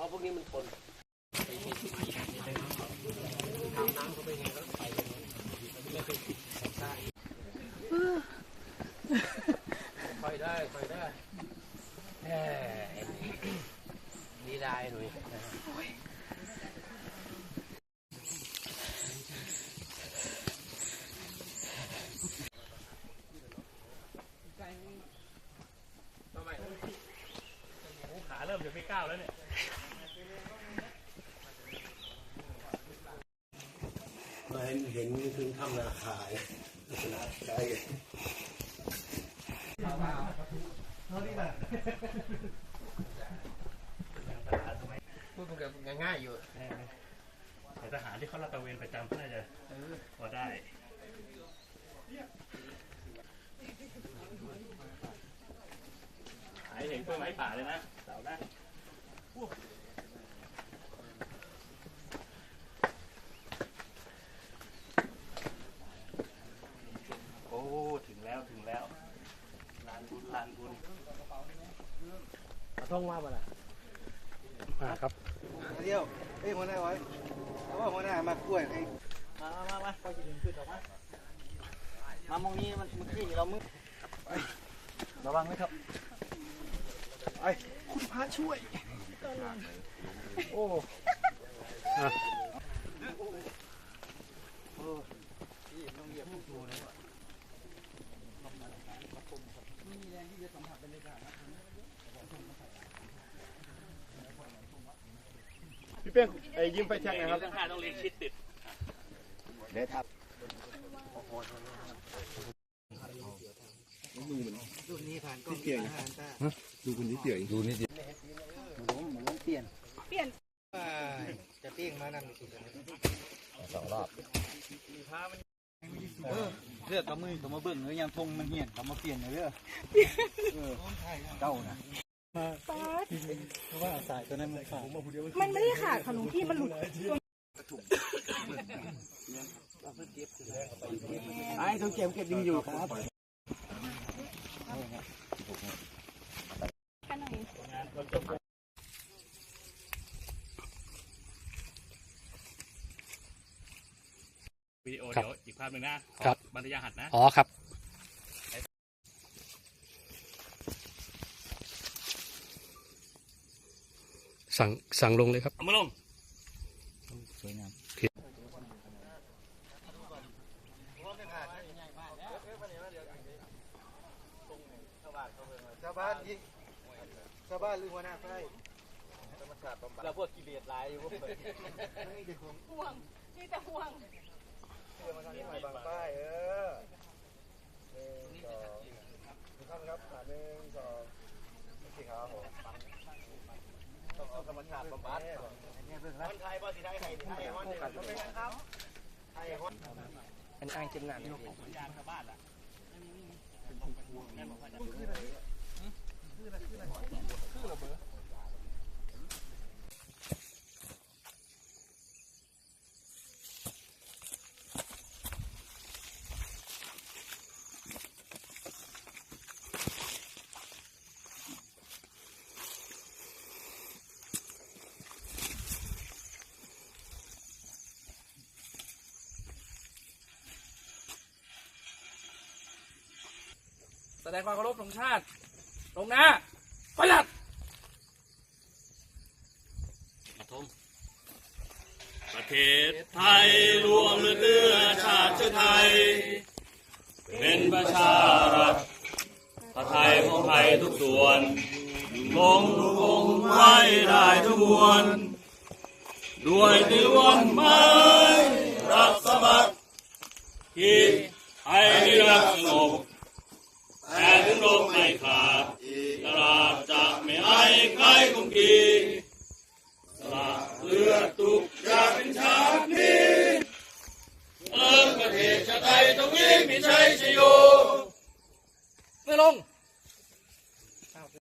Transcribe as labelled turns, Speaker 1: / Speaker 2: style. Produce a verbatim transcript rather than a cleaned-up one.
Speaker 1: พวกนี้มันทนทำน้ำเขาไปไงก็ไปไม่เคยได้คอยได้คอยได้แหมดีได้หน่อย
Speaker 2: ขาเริ่มจะไม่ก้าวแล้วเนี่ย
Speaker 1: มาเห็นเห็นถึงทำราคาลักษณะใช่พูดมันง่ายอยู่
Speaker 2: แต่ทหารที่เขาลาดตระเวนประจำก็น่าจะพอได้หายเห็นกล้วยไม้ป่าเลยนะเสาได้โอ้ถึงแล้วถึงแล้วลานบุญลานบุญ
Speaker 1: เอาท่องว่ามาละ
Speaker 2: มาครับ
Speaker 3: เดียวเฮ้ยหัวหน้าไว้เพราะว่าหัวหน้ามากล้วยให้
Speaker 1: มามามาเขาจะดึงขึ้นออกมามามองนี้มันมันที่เรามึงระวังไว้ครับ
Speaker 3: ไอ้คุณพระช่วยโอ้พี่เป้งไอ้ยิ้มไฟแช็กนะครับ
Speaker 2: ต้องหาต้องเรียนชิดติด
Speaker 3: เดี๋ยวทับดูนี่ผ่านก็เปลี่ยนดูคนที่เปลี่ยนดูนี่เดียวมันล้มมันล้มเปลี่ยนเปลี่ยนจะเปลี่ยนมานั่นสิสองรอบเลือกกับมือกับมาเบิ่งเนื้อยางทงมันเหี่ยนกับมาเปลี่ยนเลยเออเจ้านะเพราะว่าสายตัวนั้นมันขาด
Speaker 4: มันไม่ได้ขาดค่ะหลวงพี่มันหลุด
Speaker 3: ไอ้เขาเก็บเก็บดีอยู่ครับ
Speaker 2: วิดีโอเดี๋ยวอีกภาพหนึ่งนะครับบรรยายหัดนะ
Speaker 5: อ๋อครับสั่งสั่งลงเลยครับ
Speaker 2: เอามาลง
Speaker 3: สวยงามชาวบ้านยิงชาวบ้านหรือหัวหน้าไฟเราพวกกิเลสลายอยู่พวกเปิดนี่เด็กห่วงนี่แต่ห่วงเพื่อมาทางนี้หน่อยบางป้ายเออหนึ่งสองทุกท่านครับหนึ่งสองโอเคครับผมต้องเอาธรรมชาติบำบัดคนไทยบ่สิไทยไทยไทยฮอนเดียวกันครับไทยฮอน
Speaker 1: เป็นอ้างจำหน่าย
Speaker 2: ของสัญญาณชาวบ้านล่ะ
Speaker 1: แสดงความเคารพธงชาติตรงหน้าประหยัด
Speaker 2: ประเทศไทยรวมเลือดชาติไทยเป็นประชารัฐพระไทยของไทยทุกส่วนคงคงไว้ได้ทุกมวลด้วยติวันไม้รักสมัครที่ไทยรักสงบแต่ถึงลมไม่ขาดตลาดจะไม่ให้ใครกุมกีสละเลือดตุกอยากเป็นชาตินี้เออประเทศชาติไทยตรงนี้มีชัยชโย
Speaker 1: ไม่ลง